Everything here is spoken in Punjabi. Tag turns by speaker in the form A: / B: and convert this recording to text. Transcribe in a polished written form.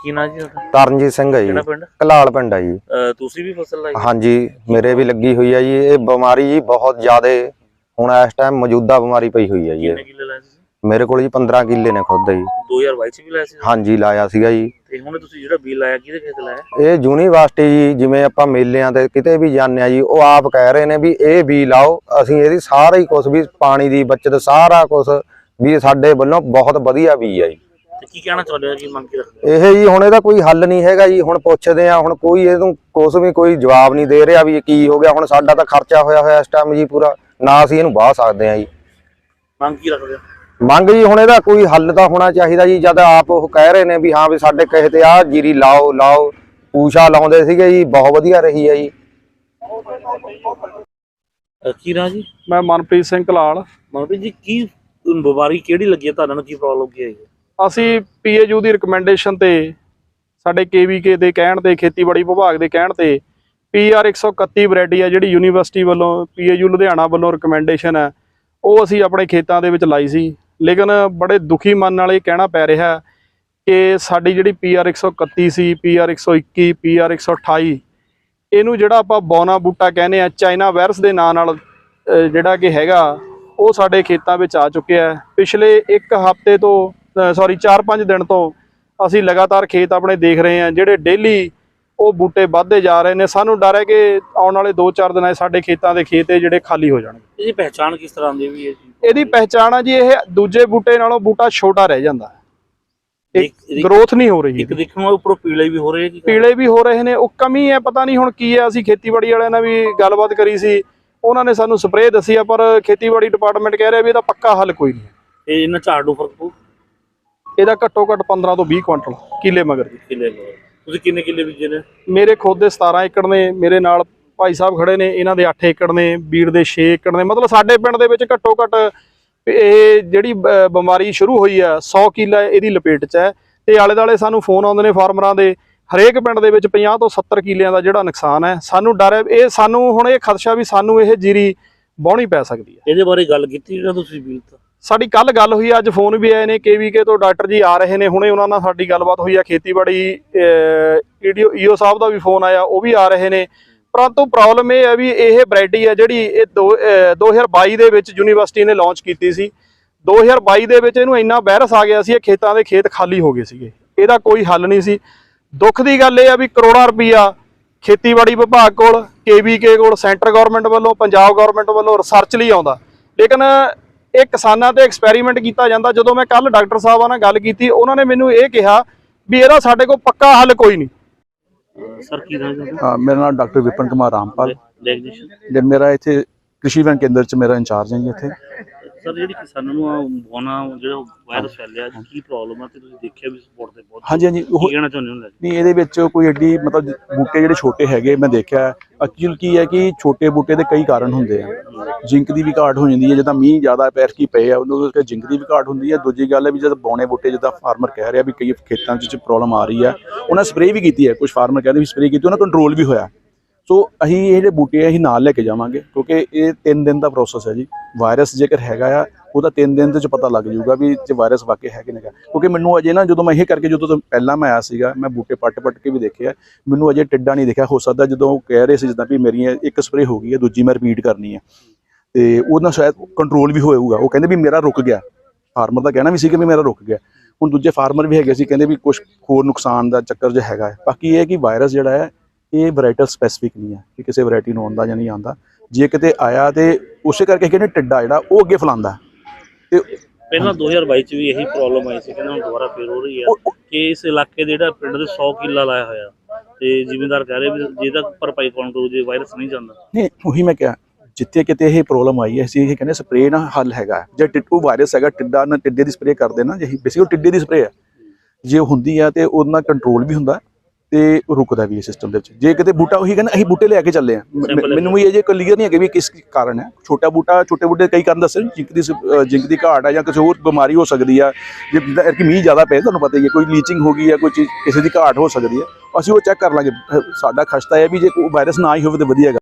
A: ਕੀ ਨਾਂ ਜੀ ਤੁਹਾਡਾ?
B: ਤਰਨਜੀਤ ਸਿੰਘ ਹੈ ਜੀ।
A: ਕਿਹੜਾ ਪਿੰਡ?
B: ਕਲਾਲ ਪਿੰਡ ਹੈ ਜੀ।
A: ਤੁਸੀਂ ਵੀ ਫਸਲ ਲਾਈ?
B: हाँ जी, मेरे भी लगी हुई है जी। ये बीमारी जी बहुत ज्यादा हुण इस टाइम मौजूदा बीमारी पई हुई है जी।
A: कितने किले लाए सी?
B: मेरे को जी 15 किले ने खुद जी।
A: 2022 ਚ ਵੀ ਲਾਇਆ ਸੀ?
B: हाँ जी, लाया सीगा जी।
A: ਤੇ ਹੁਣ ਤੁਸੀਂ ਜਿਹੜਾ ਬੀਜ ਲਾਇਆ ਕਿਹਦੇ ਖੇਤ ਲਾਇਆ?
B: ਇਹ ਯੂਨੀਵਰਸਿਟੀ ਜੀ, ਜਿਵੇਂ ਆਪਾਂ ਮੇਲਿਆਂ ਤੇ ਕਿਤੇ ਵੀ ਜਾਂਦੇ ਆ ਜੀ, ਉਹ ਆਪ ਕਹਿ ਰਹੇ ਨੇ ਵੀ ਇਹ ਬੀ ਲਾਓ। ਅਸੀਂ ਇਹਦੀ ਸਾਰਾ ਹੀ ਕੁਝ ਵੀ ਪਾਣੀ ਦੀ ਬਚਤ ਸਾਰਾ ਕੁਝ ਵੀ ਸਾਡੇ ਵੱਲੋਂ ਬਹੁਤ ਵਧੀਆ ਬੀ ਆ ਜੀ।
A: ਤੇ ਕੀ ਕਹਿਣਾ ਚਾਹੁੰਦੇ ਹੋ, ਕੀ ਮੰਗ ਕੇ ਰੱਖਦੇ?
B: ਇਹ ਜੀ ਹੁਣ ਇਹਦਾ ਕੋਈ ਹੱਲ ਨਹੀਂ ਹੈਗਾ ਜੀ। ਹੁਣ ਪੁੱਛਦੇ ਆ, ਹੁਣ ਕੋਈ ਇਹਨੂੰ ਕੁਝ ਵੀ ਕੋਈ ਜਵਾਬ ਨਹੀਂ ਦੇ ਰਿਹਾ ਵੀ ਇਹ ਕੀ ਹੋ ਗਿਆ। ਹੁਣ ਸਾਡਾ ਤਾਂ ਖਰਚਾ ਹੋਇਆ ਇਸ ਟਾਈਮ ਜੀ ਪੂਰਾ, ਨਾ ਅਸੀਂ ਇਹਨੂੰ ਵਾਹ ਸਕਦੇ ਆ ਜੀ।
A: ਮੰਗ ਕੀ ਰੱਖਦੇ ਹੋ?
B: ਮੰਗ ਜੀ ਹੁਣ ਇਹਦਾ ਕੋਈ ਹੱਲ ਤਾਂ ਹੋਣਾ ਚਾਹੀਦਾ ਜੀ। ਜਦ ਆਪ ਉਹ ਕਹਿ ਰਹੇ ਨੇ ਵੀ ਹਾਂ ਵੀ ਸਾਡੇ ਕਹੇ ਤੇ ਆ ਜੀਰੀ ਲਾਓ ਲਾਓ, ਪੂਸ਼ਾ ਲਾਉਂਦੇ ਸੀਗੇ ਜੀ, ਬਹੁਤ ਵਧੀਆ ਰਹੀ ਹੈ ਜੀ।
A: ਕੀ ਨਾਂ ਜੀ?
C: ਮੈਂ ਮਨਪ੍ਰੀਤ ਸਿੰਘ ਕਲਾਲ।
A: ਮਨਪ੍ਰੀਤ ਜੀ, ਕੀ ਬਿਮਾਰੀ ਕਿਹੜੀ ਲੱਗੀ ਹੈ ਤੁਹਾਨੂੰ? ਕੀ ਪ੍ਰੋਬਲਮ ਕੀ ਹੈ?
C: ਅਸੀਂ ਪੀਏਯੂ ਦੀ ਰਿਕਮੈਂਡੇਸ਼ਨ ਤੇ, ਸਾਡੇ ਕੇਵੀਕੇ ਦੇ ਕਹਿਣ ਤੇ, ਖੇਤੀਬਾੜੀ ਵਿਭਾਗ ਦੇ ਕਹਿਣ ਤੇ PR 131 ਵੈਰਾਈਟੀ ਹੈ ਜਿਹੜੀ ਯੂਨੀਵਰਸਿਟੀ ਵੱਲੋਂ, ਪੀਏਯੂ ਲੁਧਿਆਣਾ ਵੱਲੋਂ ਰਿਕਮੈਂਡੇਸ਼ਨ ਹੈ, ਉਹ ਅਸੀਂ ਆਪਣੇ ਖੇਤਾਂ ਦੇ ਵਿੱਚ ਲਾਈ ਸੀ। ਲੇਕਿਨ ਬੜੇ ਦੁਖੀ ਮਨ ਨਾਲ ਇਹ ਕਹਿਣਾ ਪੈ ਰਿਹਾ ਕਿ ਸਾਡੀ ਜਿਹੜੀ PR 131 ਸੀ, PR 121, PR 128, ਇਹਨੂੰ ਜਿਹੜਾ ਆਪਾਂ ਬੌਨਾ ਬੂਟਾ ਕਹਿੰਦੇ ਆ, ਚਾਈਨਾ ਵਾਇਰਸ ਦੇ ਨਾਂ ਨਾਲ ਜਿਹੜਾ ਕਿ ਹੈਗਾ, ਉਹ ਸਾਡੇ ਖੇਤਾਂ ਵਿੱਚ ਆ ਚੁੱਕਿਆ ਹੈ। ਪਿਛਲੇ ਇੱਕ ਹਫ਼ਤੇ ਤੋਂ 4-5 ਦਿਨ ਤੋਂ ਅਸੀਂ ਲਗਾਤਾਰ ਖੇਤ ਆਪਣੇ ਦੇਖ ਰਹੇ ਹਾਂ, ਜਿਹੜੇ ਡੇਲੀ ਉਹ ਬੂਟੇ ਵੱਧਦੇ ਜਾ ਰਹੇ ਨੇ। ਸਾਨੂੰ ਡਰ ਹੈ ਕਿ ਆਉਣ ਵਾਲੇ 2-4 ਦਿਨਾਂ 'ਚ ਸਾਡੇ ਖੇਤਾਂ ਦੇ ਖੇਤ ਜਿਹੜੇ ਖਾਲੀ ਹੋ ਜਾਣਗੇ।
A: ਇਹਦੀ ਪਹਿਚਾਣ ਕਿਸ ਤਰ੍ਹਾਂ ਦੀ ਵੀ ਹੈ ਜੀ?
C: ਇਹਦੀ ਪਹਿਚਾਣ ਆ ਜੀ, ਇਹ ਦੂਜੇ ਬੂਟੇ ਨਾਲੋਂ ਬੂਟਾ ਛੋਟਾ ਰਹਿ ਜਾਂਦਾ, ਗਰੋਥ ਨਹੀਂ ਹੋ ਰਹੀ।
A: ਇੱਕ ਦੇਖਣ ਨੂੰ ਉੱਪਰੋਂ ਪੀਲੇ ਵੀ ਹੋ ਰਹੇ ਜੀ?
C: ਪੀਲੇ ਵੀ ਹੋ ਰਹੇ ਨੇ, ਉਹ ਕਮੀ ਹੈ, ਪਤਾ ਨਹੀਂ ਹੁਣ ਕੀ ਹੈ। ਅਸੀਂ ਖੇਤੀਬਾੜੀ ਵਾਲਿਆਂ ਨਾਲ ਵੀ ਗੱਲਬਾਤ ਕਰੀ ਸੀ, ਉਹਨਾਂ ਨੇ ਸਾਨੂੰ ਸਪਰੇਅ ਦੱਸੀ ਆ, ਪਰ ਖੇਤੀਬਾੜੀ ਡਿਪਾਰਟਮੈਂਟ ਕਹਿ ਰਿਹਾ ਵੀ ਇਹਦਾ ਪੱਕਾ ਹੱਲ ਕੋਈ ਨਹੀਂ।
A: ਇਹ ਇਹਨਾਂ ਝਾੜ ਨੂੰ ਫਰਕ ਪਊ?
C: ਇਹਦਾ ਘੱਟੋ ਘੱਟ 15 ਤੋਂ 20 ਕੁਇੰਟਲ ਕਿੱਲੇ ਮਗਰ ਜੀ।
A: ਕਿੱਲੇ ਤੁਸੀਂ ਕਿੰਨੇ ਕਿੱਲੇ ਬੀਜੇ ਨੇ?
C: ਮੇਰੇ ਖੁਦ ਦੇ 17 ਏਕੜ ਨੇ, ਮੇਰੇ ਨਾਲ ਭਾਈ ਸਾਹਿਬ ਖੜੇ ਨੇ, ਇਹਨਾਂ ਦੇ 8 ਏਕੜ ਨੇ, ਵੀਰ ਦੇ 6 ਏਕੜ ਨੇ। ਮਤਲਬ ਸਾਡੇ ਪਿੰਡ ਦੇ ਵਿੱਚ ਘੱਟੋ ਘੱਟ ਇਹ ਜਿਹੜੀ ਬਿਮਾਰੀ ਸ਼ੁਰੂ ਹੋਈ ਆ 100 ਕਿੱਲਾ ਇਹਦੀ ਲਪੇਟ 'ਚ ਹੈ। ਤੇ ਆਲੇ ਦੁਆਲੇ ਸਾਨੂੰ ਫੋਨ ਆਉਂਦੇ ਨੇ ਫਾਰਮਰਾਂ ਦੇ, ਹਰੇਕ ਪਿੰਡ ਦੇ ਵਿੱਚ 50 ਤੋਂ 70 ਕਿੱਲਿਆਂ ਦਾ ਜਿਹੜਾ ਨੁਕਸਾਨ ਹੈ। ਸਾਨੂੰ ਡਰ ਹੈ, ਇਹ ਸਾਨੂੰ ਹੁਣ ਇਹ ਖਦਸ਼ਾ ਵੀ ਸਾਨੂੰ ਇਹ ਜੀਰੀ ਵਾਹੁਣੀ ਪੈ ਸਕਦੀ ਹੈ।
A: ਇਹਦੇ ਬਾਰੇ ਗੱਲ ਕੀਤੀ ਜਿਹੜਾ ਤੁਸੀਂ ਬੀਜ ਤਾਂ?
C: ਸਾਡੀ ਕੱਲ ਗੱਲ ਹੋਈ, ਅੱਜ ਫੋਨ ਵੀ ਆਏ ਨੇ, KVK ਤੋਂ ਡਾਕਟਰ ਜੀ ਆ ਰਹੇ ਨੇ, ਹੁਣੇ ਉਹਨਾਂ ਨਾਲ ਸਾਡੀ ਗੱਲਬਾਤ ਹੋਈ ਆ। ਖੇਤੀਬਾੜੀ EO ਸਾਹਿਬ ਦਾ ਵੀ ਫੋਨ ਆਇਆ, ਉਹ ਵੀ ਆ ਰਹੇ ਨੇ। ਪਰੰਤੂ ਪ੍ਰੋਬਲਮ ਇਹ ਹੈ ਵੀ ਇਹ ਵੈਰਾਈਟੀ ਹੈ ਜਿਹੜੀ ਇਹ 2022 ਦੇ ਵਿੱਚ ਯੂਨੀਵਰਸਿਟੀ ਨੇ ਲਾਂਚ ਕੀਤੀ ਸੀ। 2022 ਦੇ ਵਿੱਚ ਇਹਨੂੰ ਇੰਨਾ ਵਾਇਰਸ ਆ ਗਿਆ ਸੀ, ਇਹ ਖੇਤਾਂ ਦੇ ਖੇਤ ਖਾਲੀ ਹੋ ਗਏ ਸੀਗੇ। ਇਹਦਾ ਕੋਈ ਹੱਲ ਨਹੀਂ ਸੀ। ਦੁੱਖ ਦੀ ਗੱਲ ਇਹ ਆ ਵੀ ਕਰੋੜਾਂ ਰੁਪਈਆ ਖੇਤੀਬਾੜੀ ਵਿਭਾਗ ਕੋਲ, KVK ਕੋਲ, ਸੈਂਟਰ ਗਵਰਨਮੈਂਟ ਵੱਲੋਂ, ਪੰਜਾਬ ਗਵਰਨਮੈਂਟ ਵੱਲੋਂ ਰਿਸਰਚ ਲਈ ਆਉਂਦਾ, ਲੇਕਿਨ ਇਹ ਕਿਸਾਨਾਂ ਤੇ ਐਕਸਪੈਰੀਮੈਂਟ ਕੀਤਾ ਜਾਂਦਾ। ਜਦੋਂ ਮੈਂ ਕੱਲ ਡਾਕਟਰ ਸਾਹਿਬਾਂ ਨਾਲ ਗੱਲ ਕੀਤੀ, ਉਹਨਾਂ ਨੇ ਮੈਨੂੰ ਇਹ ਕਿਹਾ ਵੀ ਇਹਦਾ ਸਾਡੇ ਕੋਲ ਪੱਕਾ ਹੱਲ ਕੋਈ ਨਹੀਂ।
A: ਸਰ ਕੀ ਨਾਮ ਹੈ?
D: हाँ, मेरा नाम डॉक्टर विपिन कुमार रामपाल। जब मेरा इतने कृषि विभाग केंद्र च मेरा इंचार्ज है इतने।
A: ਸਰ ਜਿਹੜੀ ਕਿਸਾਨਾਂ ਨੂੰ ਬੋਨਾ ਜਿਹੜਾ ਵਾਇਰਸ ਫੈਲਿਆ, ਕੀ ਪ੍ਰੋਬਲਮ ਹੈ ਤੇ ਤੁਸੀਂ ਦੇਖਿਆ ਵੀ ਸਪੋਰਟ ਤੇ ਬਹੁਤ?
D: हाँ जी, हाँ जी,
A: ਕੀ ਕਹਿਣਾ ਚਾਹੁੰਦੇ ਹੋ?
D: नहीं ਇਹਦੇ ਵਿੱਚ ਕੋਈ ਐਡੀ ਮਤਲਬ ਬੂਟੇ ਜਿਹੜੇ ਛੋਟੇ ਹੈਗੇ ਮੈਂ ਦੇਖਿਆ ਐਕਚੁਅਲ ਕੀ ਹੈ ਕਿ ਛੋਟੇ ਬੂਟੇ ਦੇ ਕਈ ਕਾਰਨ ਹੁੰਦੇ ਆ। ਜਿੰਕ ਦੀ ਵੀ ਘਾਟ ਹੋ ਜਾਂਦੀ ਹੈ, ਜਦੋਂ ਮੀਂਹ ਜ਼ਿਆਦਾ ਪੈਰ ਕੀ ਪਏ ਆ ਉਹਨੂੰ ਕਰਕੇ ਜਿੰਕ ਦੀ ਵੀ ਘਾਟ ਹੁੰਦੀ ਹੈ। ਦੂਜੀ ਗੱਲ ਹੈ ਵੀ ਜਦ ਬੌਣੇ ਬੂਟੇ, ਜਿੱਦਾਂ ਫਾਰਮਰ ਕਹਿ ਰਿਹਾ ਵੀ ਕਈ ਖੇਤਾਂ 'ਚ ਪ੍ਰੋਬਲਮ ਆ ਰਹੀ ਹੈ, ਉਹਨਾਂ ਸਪਰੇਅ ਵੀ ਕੀਤੀ ਹੈ। ਕੁਝ ਫਾਰਮਰ ਕਹਿੰਦੇ ਵੀ ਸਪਰੇਅ ਕੀਤੀ, ਉਹਨਾਂ ਕੰਟਰੋਲ ਵੀ ਹੋਇਆ। ਸੋ ਅਸੀਂ ਇਹ ਜਿਹੜੇ ਬੂਟੇ ਅਸੀਂ ਨਾਲ ਲੈ ਕੇ ਜਾਵਾਂਗੇ, ਕਿਉਂਕਿ ਇਹ 3 ਦਿਨ ਦਾ ਪ੍ਰੋਸੈਸ ਹੈ ਜੀ। ਵਾਇਰਸ ਜੇਕਰ ਹੈਗਾ ਆ, ਉਹਦਾ 3 ਦਿਨ ਦੇ ਚ ਪਤਾ ਲੱਗ ਜਾਊਗਾ ਵੀ ਜੇ ਵਾਇਰਸ ਵਾਕਈ ਹੈ ਕਿ ਨਹੀਂ। ਕਿਉਂਕਿ ਮੈਨੂੰ ਅਜੇ ਨਾ, ਜਦੋਂ ਮੈਂ ਇਹ ਕਰਕੇ, ਜਦੋਂ ਪਹਿਲਾਂ ਮੈਂ ਆਇਆ ਸੀਗਾ, ਮੈਂ ਬੂਟੇ ਪੱਟ ਕੇ ਵੀ ਦੇਖਿਆ, ਮੈਨੂੰ ਅਜੇ ਟਿੱਡਾ ਨਹੀਂ ਦਿਖਿਆ। ਹੋ ਸਕਦਾ ਜਦੋਂ ਕਹਿ ਰਹੇ ਸੀ ਜਿੱਦਾਂ ਵੀ ਮੇਰੀਆਂ ਇੱਕ ਸਪਰੇਅ ਹੋ ਗਈ ਹੈ, ਦੂਜੀ ਮੈਂ ਰਿਪੀਟ ਕਰਨੀ ਹੈ, ਤੇ ਉਹਦੇ ਨਾਲ ਸ਼ਾਇਦ ਕੰਟਰੋਲ ਵੀ ਹੋਏਗਾ। ਉਹ ਕਹਿੰਦੇ ਵੀ ਮੇਰਾ ਰੁਕ ਗਿਆ, ਫਾਰਮਰ ਦਾ ਕਹਿਣਾ ਵੀ ਸੀ ਕਿ ਵੀ ਮੇਰਾ ਰੁਕ ਗਿਆ। ਹੁਣ ਦੂਜੇ ਫਾਰਮਰ ਵੀ ਹੈਗੇ ਸੀ, ਕਹਿੰਦੇ ਵੀ ਕੁਛ ਹੋਰ ਨੁਕਸਾਨ ਦਾ ਚੱਕਰ ਜਿਹਾ ਹੈਗਾ ਹੈ। ਬਾਕੀ ਇਹ ਹੈ ਕਿ ਵਾਇਰਸ ਜਿਹੜਾ ਹੈ ਇਹ ਵੈਰਾਈਟਲ ਸਪੈਸੀਫਿਕ ਨਹੀਂ ਹੈ ਕਿ ਕਿਸੇ ਵੈਰਾਈਟੀ ਨੂੰ ਆਉਂਦਾ ਜਾਂ ਨਹੀਂ ਆਉਂਦਾ। ਜੇ ਕਿਤੇ ਆਇਆ ਤੇ ਉਸੇ ਕਰਕੇ ਕਹਿੰਦੇ ਟਿੱਡਾ ਜਿਹੜਾ ਉਹ ਅੱਗੇ ਫੈਲਾਉਂਦਾ। ਤੇ
A: ਪਹਿਲਾਂ 2022 ਚ ਵੀ ਇਹੀ ਪ੍ਰੋਬਲਮ ਆਈ ਸੀ, ਕਹਿੰਦੇ ਹੁਣ ਦੁਬਾਰਾ ਫੇਰ ਹੋ ਰਹੀ ਹੈ ਕਿ ਇਸ ਇਲਾਕੇ ਦੇ ਜਿਹੜਾ ਪਿੰਡ ਦੇ 100 ਕਿੱਲਾ ਲਾਇਆ ਹੋਇਆ ਤੇ ਜ਼ਿਮੀਂਦਾਰ ਕਹਿ ਰਹੇ ਵੀ ਜੇ ਤੱਕ ਭਰਪਾਈ ਕੌਣ ਕਰੂ ਜੇ ਵਾਇਰਸ ਨਹੀਂ ਜਾਂਦਾ।
D: ਨਹੀਂ, ਉਹੀ ਮੈਂ ਕਿਹਾ, ਜਿੱਥੇ ਕਿਤੇ ਇਹ ਪ੍ਰੋਬਲਮ ਆਈ ਹੈ ਅਸੀਂ ਇਹ ਕਹਿੰਦੇ ਸਪਰੇਅ ਨਾਲ ਹੱਲ ਹੈਗਾ। ਜੇ ਟਿੱਡੂ ਵਾਇਰਸ ਹੈਗਾ, ਟਿੱਡਾ ਨਾਲ ਟਿੱਡੇ ਦੀ ਸਪਰੇਅ ਕਰਦੇ ਨਾ, ਜਿਹੀ ਬੇਸਿਕਲੀ ਟਿੱਡੇ ਦੀ ਸਪਰੇਅ ਹੈ, ਜੇ ਹੁੰਦੀ ਆ ਤੇ ਉਹਦੇ ਨਾਲ ਕੰਟਰੋਲ ਵੀ ਹੁੰਦਾ ਤੇ ਰੁਕਦਾ ਵੀ ਹੈ ਸਿਸਟਮ ਦੇ ਵਿੱਚ। ਜੇ ਕਿਤੇ ਬੂਟਾ, ਉਹੀ ਕਹਿੰਦਾ ਅਸੀਂ ਬੂਟੇ ਲੈ ਕੇ ਚੱਲੇ ਆ, ਮੈਨੂੰ ਵੀ ਇਹ ਜੇ ਕਲੀਅਰ ਨਹੀਂ ਹੈਗੇ ਵੀ ਕਿਸ ਕਾਰਨ ਹੈ। ਛੋਟਾ ਬੂਟਾ, ਛੋਟੇ ਬੂਟੇ ਕਈ ਕਾਰਨ ਦੱਸੇ, ਜਿੰਕ ਦੀ ਘਾਟ ਹੈ ਜਾਂ ਕਿਸੇ ਹੋਰ ਬਿਮਾਰੀ ਹੋ ਸਕਦੀ ਹੈ। ਜੇ ਕਿ ਮੀਂਹ ਜ਼ਿਆਦਾ ਪਏ, ਤੁਹਾਨੂੰ ਪਤਾ ਹੀ ਹੈ, ਕੋਈ ਲੀਚਿੰਗ ਹੋ ਗਈ ਹੈ, ਕੋਈ ਚੀਜ਼ ਕਿਸੇ ਦੀ ਘਾਟ ਹੋ ਸਕਦੀ ਹੈ। ਅਸੀਂ ਉਹ ਚੈੱਕ ਕਰ ਲਾਂਗੇ। ਸਾਡਾ ਖਸ਼ਤਾ ਹੈ ਵੀ ਜੇ ਕੋਈ ਵਾਇਰਸ ਨਾ ਹੀ ਹੋਵੇ ਤਾਂ ਵਧੀਆ।